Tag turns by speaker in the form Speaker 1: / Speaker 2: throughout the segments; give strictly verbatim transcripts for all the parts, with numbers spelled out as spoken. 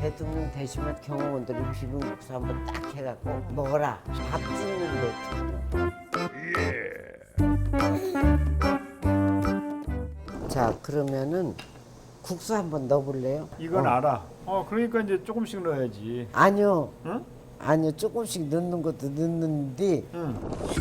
Speaker 1: 대통령 되시면 경호원들이 비빔국수 한번 딱 해갖고 먹어라. 밥 짓는데 특별. 자, 그러면은 국수 한번 넣어볼래요?
Speaker 2: 이건
Speaker 1: 어.
Speaker 2: 알아. 어 그러니까 이제 조금씩 넣어야지.
Speaker 1: 아니요.
Speaker 2: 응?
Speaker 1: 아니요. 조금씩 넣는 것도 넣는데
Speaker 2: 응.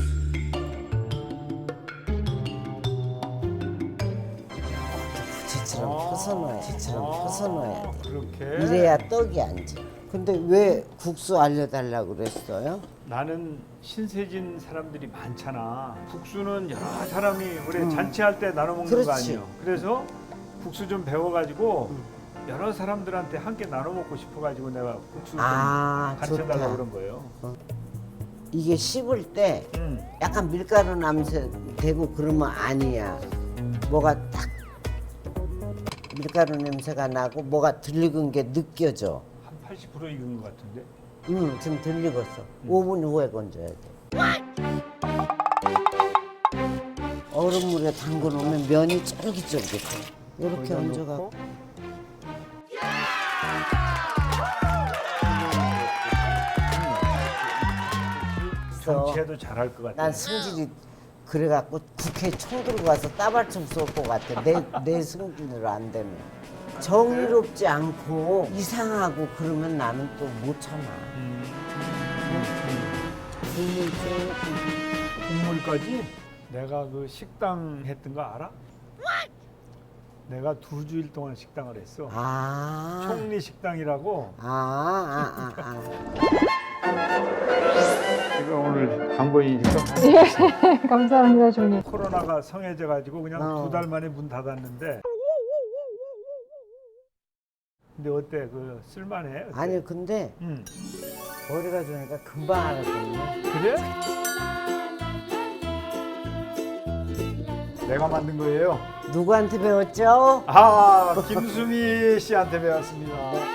Speaker 1: 지처럼 펴서 넣어야 지처럼 펴서 넣어야 돼.
Speaker 2: 그렇게.
Speaker 1: 이래야 떡이 앉아. 근데 왜 국수 알려달라고 그랬어요?
Speaker 2: 나는 신세진 사람들이 많잖아. 국수는 여러 사람이 우리
Speaker 1: 음.
Speaker 2: 잔치할 때 나눠 먹는 거
Speaker 1: 그렇지.
Speaker 2: 아니에요. 그래서 국수 좀 배워가지고 여러 사람들한테 함께 나눠 먹고 싶어가지고 내가 국수 좀
Speaker 1: 아,
Speaker 2: 가르쳐달라고
Speaker 1: 좋다.
Speaker 2: 그런 거예요.
Speaker 1: 이게 씹을 때
Speaker 2: 음.
Speaker 1: 약간 밀가루 냄새 되고 그러면 아니야. 뭐가 딱 밀가루 냄새가 나고 뭐가 덜 익은 게 느껴져.
Speaker 2: 한 팔십 퍼센트 익은 것 같은데.
Speaker 1: 응, 좀 덜 익었어. 오 분 후에 건져야 돼. 얼음물에 담궈 놓으면 면이 쫄깃쫄깃해. 이렇게
Speaker 2: 거기다
Speaker 1: 얹어갖고.
Speaker 2: 넣고. 정치해도 잘할 것 같아.
Speaker 1: 난 승질이 그래갖고 국회 총 들고 가서 따발총 쏠 것 같아. 내, 내 승질대로 안 되면. 정의롭지 않고 이상하고 그러면 나는 또 못 참아.
Speaker 2: 음.
Speaker 1: 국물 조금.
Speaker 2: 국물까지? 내가 그 식당 했던 거 알아? 내가 두 주일 동안 식당을 했어.
Speaker 1: 아.
Speaker 2: 총리 식당이라고.
Speaker 1: 아, 아, 아, 아.
Speaker 2: 제가 오늘 강보인이니까
Speaker 3: 예, 감사합니다, 종님.
Speaker 2: 코로나가 성해져 가지고 그냥
Speaker 1: 어.
Speaker 2: 두 달 만에 문 닫았는데. 근데 어때? 그 쓸만해? 어때?
Speaker 1: 아니, 근데
Speaker 2: 응.
Speaker 1: 머리가 좋으니까 금방 알았거든요.
Speaker 2: 그래? 내가 만든 거예요.
Speaker 1: 누구한테 배웠죠?
Speaker 2: 아, 김수미 씨한테 배웠습니다.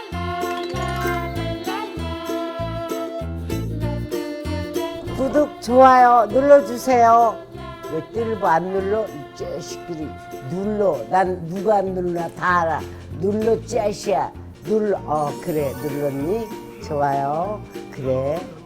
Speaker 1: 구독, 좋아요 눌러주세요. 왜 뜰보 안 눌러? 이 자식들이 눌러. 난 누가 안 눌러 다 알아. 눌러 짜시야. 눌러. 어, 그래, 눌렀니? 좋아요. 그래.